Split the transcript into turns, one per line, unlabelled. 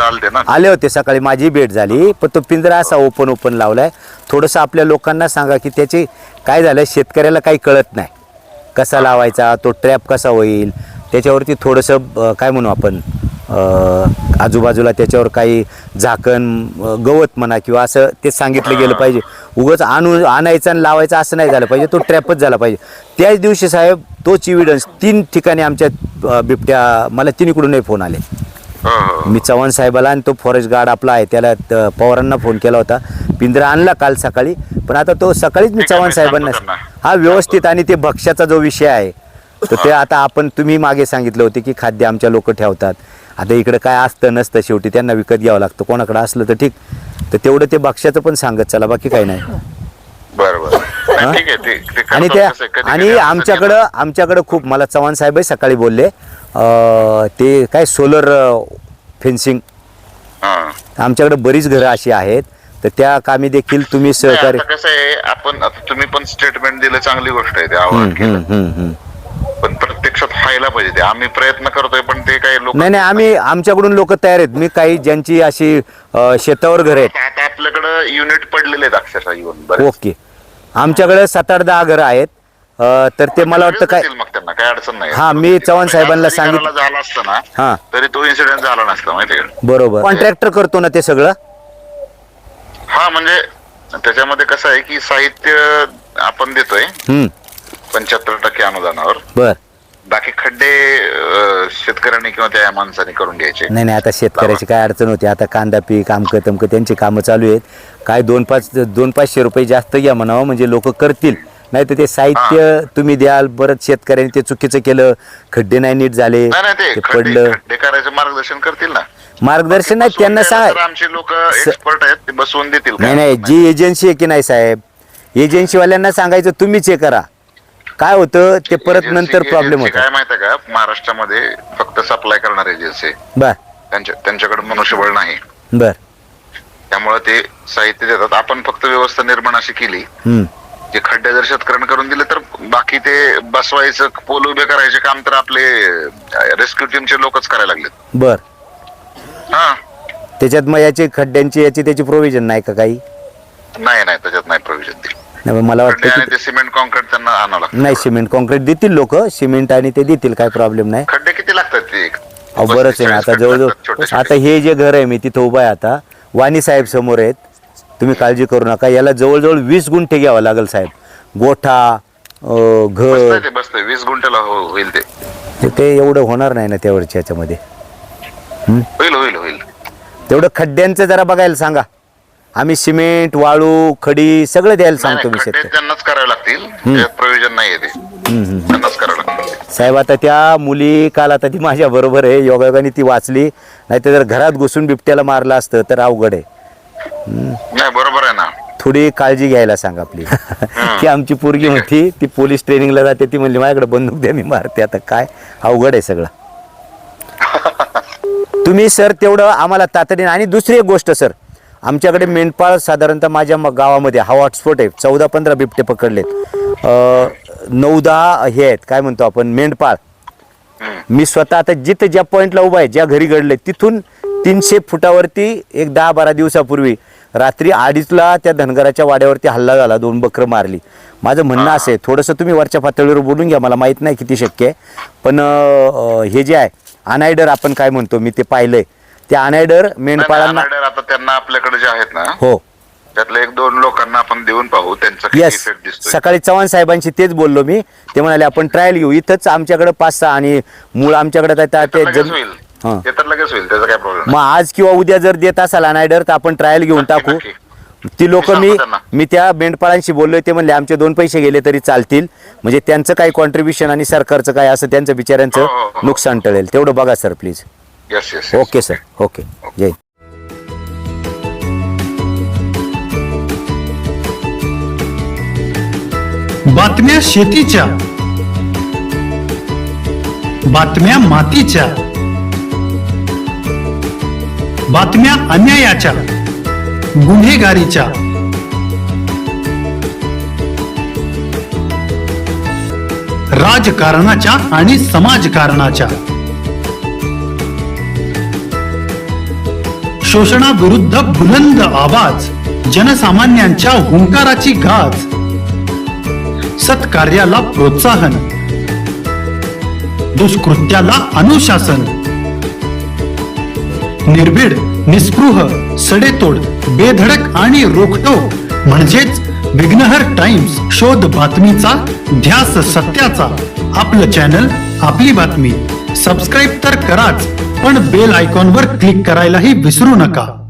इकडे आलते ना,
आले होते सकाळी, माझी भेट झाली. पण तो पिंजरा असा ओपन लावलाय. थोडंसं आपल्या लोकांना सांगा की त्याची काय झालं, शेतकऱ्याला काही कळत नाही कसा लावायचा, तो ट्रॅप कसा होईल, त्याच्यावरती थोडंसं काय म्हणू आपण, आजूबाजूला त्याच्यावर काही झाकण, गवत म्हणा किंवा असं ते सांगितलं गेलं पाहिजे. उगाच आणायचं आणि लावायचं असं नाही झालं पाहिजे, तो ट्रॅपच झाला पाहिजे. त्याच दिवशी साहेब तोच एव्हिडन्स 3 ठिकाणी आमच्या बिबट्या, मला तिन्हीकडूनही फोन आले. मी चव्हाण साहेबाला आणि तो फॉरेस्ट गार्ड आपला आहे त्याला पवारांना फोन केला होता. पिंजरा आणला काल सकाळी, पण आता तो सकाळीच मी चव्हाण साहेबांना हा व्यवस्थित. आणि ते भक्ष्याचा जो विषय आहे तर ते आता आपण, तुम्ही मागे सांगितलं होते की खाद्य आमच्या लोक ठेवतात. आता इकडे काय असतं नसतं, शेवटी त्यांना विकत घ्यावं लागतं. कोणाकडे असलं तर ठीक, तर तेवढं ते भक्ष्याचं पण सांगत चला, बाकी काही नाही. आणि त्या आणि आमच्याकडं खूप, मला चव्हाण साहेबही सकाळी बोलले ते काय सोलर फेन्सिंग, आमच्याकडे बरीच घरं अशी आहेत, तर त्या कामी देखील तुम्ही सहकार्य.
कसं आहे, आपण आता तुम्ही पण स्टेटमेंट दिलं, चांगली गोष्ट आहे, ते आव्हान केलं, पण प्रत्यक्षात व्हायला पाहिजे. ते आम्ही प्रयत्न करतोय, पण ते काही लोक
नाही, आमच्याकडून लोक तयार आहेत. मी काही ज्यांची अशी शेतावर घर आहेत,
आता आपल्याकडे युनिट पडलेले आहेत अक्षरशः येऊन.
ओके, आमच्याकडे 7-8-10 घरं आहेत. तर ते मला वाटतं काय,
मग त्यांना काय अडचण नाही.
हा, मी चव्हाण साहेबांना सांगितलं
झाला असतं ना,
हा,
तरी तो इन्सिडेंट झाला नसता, माहिती का.
बरोबर, कॉन्ट्रॅक्टर करतो ना ते सगळं.
हा, म्हणजे त्याच्यामध्ये कसं आहे की साहित्य आपण देतोय 75% अनुदानावर.
बर,
बाकी खड्डे शेतकऱ्यांनी किंवा त्या माणसाने करून घ्यायचे.
नाही, आता शेतकऱ्याची काय अडचण होती. आता कांदा पीक आमकं तमकं त्यांची कामं चालू आहेत. काय 2-500 रुपये जास्त घ्या म्हणावं, म्हणजे लोक करतील. नाही तर ते साहित्य तुम्ही द्याल, परत शेतकऱ्यांनी ते चुकीचं केलं, खड्डे नाही नीट झाले, ते पडलं,
खड्डे करायचं मार्गदर्शन करतील ना.
मार्गदर्शन नाही त्यांना सांग,
आमचे लोक एक्सपर्ट आहेत, ते बसवून देतील.
नाही, जी एजन्सी आहे की नाही साहेब, एजन्सीवाल्यांना सांगायचं तुम्हीच हे करा. काय होतं ते परत नंतर प्रॉब्लेम होतो.
काय माहिती का, महाराष्ट्रामध्ये फक्त सप्लाय करणार एजन्सी,
बर,
त्यांच्याकडे मनुष्यबळ नाही.
बर,
त्यामुळे ते साहित्य देतात. आपण फक्त व्यवस्था निर्माण अशी केली, जे खड्डे जर शेतकऱ्यांना करून दिले तर बाकी ते बसवायचं, पोल उभे करायचे काम तर आपले रेस्क्यू टीमचे लोकच करायला लागलेत.
बर,
हा,
त्याच्यात मग याची खड्ड्यांची त्याची प्रोव्हिजन नाही का काही?
नाही, त्याच्यात नाही प्रोव्हिजन दिली.
मला वाटतं
ते सिमेंट कॉन्क्रीट त्यांना आणावं लागतं.
नाही, सिमेंट कॉन्क्रीट देतील लोक, सिमेंट आणि ते देतील, काय प्रॉब्लेम नाही.
खड्डे किती लागतात ते?
बरंच आहे ना. आता जवळजवळ आता हे जे घर आहे, मी तिथं उभा आहे आता, वाणी साहेब समोर आहेत, तुम्ही काळजी करू नका. याला जवळजवळ 20 गुंठे घ्यावं लागेल साहेब. गोठा, घर,
बसतंय 20 गुंठ्याला होईल
ते एवढं होणार नाही ना त्यावरच्या ह्याच्यामध्ये.
होईल
तेवढं खड्ड्यांचं जरा बघायला सांगा. आम्ही सिमेंट, वाळू, खडी सगळं द्यायला सांगतो मी. शेतकरी
त्यांनाच करावे लागतील, प्रोव्हिजन नाहीये ते, त्यांनाच करावं लागतील
साहेब. आता त्या मुली काल, आता ती माझ्या बरोबर आहे, योगायोगाने ती वाचली, नाही तर जर घरात घुसून बिबट्याला मारलं असतं तर अवघड आहे.
नाही, बरोबर आहे ना.
थोडी काळजी घ्यायला सांगा आपली. की आमची पोरगी होती, ती पोलीस ट्रेनिंगला जाते, ती म्हणली माझ्याकडे बंदूक द्या, मी मारते. आता काय अवघड आहे सगळं. तुम्ही सर तेवढं आम्हाला तातडीने. आणि दुसरी एक गोष्ट सर, आमच्याकडे मेंढपाळ साधारणतः माझ्या गावामध्ये हा हॉटस्पॉट आहे, 14-15 बिबटे पकडलेत, 9-10 हे आहेत, काय म्हणतो आपण, मेंढपाळ. मी स्वतः आता जिथं ज्या पॉईंटला उभा आहे, ज्या घरी घडले, तिथून 300 फुटावरती एक 10-12 दिवसापूर्वी रात्री 2:30ला त्या धनगराच्या वाड्यावरती हल्ला झाला, 2 बकरं मारली. माझं म्हणणं असं आहे, थोडंसं तुम्ही वरच्या पातळीवर बोलून घ्या, मला माहीत नाही किती शक्य आहे, पण हे जे आहे अनायडर आपण काय म्हणतो, मी ते पाहिलंय, त्या अनायडर मेंढपाळांना
आता त्यांना आपल्याकडे जे आहेत ना,
हो,
त्यातल्या 1-2 लोकांना आपण देऊन पाहू, त्यांचा किती इफेक्ट दिसतोय.
सकाळी चव्हाण साहेबांशी तेच बोललो मी, ते म्हणाले आपण ट्रायल घेऊ इथंच, आमच्याकडे 5-6 आणि मूळ आमच्याकडे
लगेच होईल, त्याचा काय प्रॉब्लेम.
मग आज किंवा उद्या जर देत असाल अनायडर तर आपण ट्रायल घेऊन टाकू. ती लोक मी त्या मेंढपाळांशी बोललोय, ते म्हणले आमचे 2 पैसे गेले तरी चालतील, म्हणजे त्यांचं काही कॉन्ट्रीब्युशन आणि सरकारचं काय असं त्यांचं बिचाऱ्यांचं नुकसान टळेल. तेवढं बघा sir please. Okay sir, okay, जय.
बातम्या शेतीच्या, बातम्या मातीच्या, बातम्या अन्यायाच्या, गुन्हेगारीच्या, राजकारणाच्या आणि समाजकारणाच्या, शोषणाविरुद्ध बुलंद आवाज, जनसामान्यांच्या हुंकाराची गाज, सत्कार्याला प्रोत्साहन, दुष्कृत्याला अनुशासन, निर्भीड, निस्पृह, सडेतोड, बेधडक आणि रोखठोक म्हणजेच विघ्नहर टाइम्स. शोध बातमीचा, ध्यास सत्याचा. आपलं चॅनल, आपली बातमी. सबस्क्राईब तर कराच, पण बेल आयकॉनवर क्लिक करायलाही विसरू नका.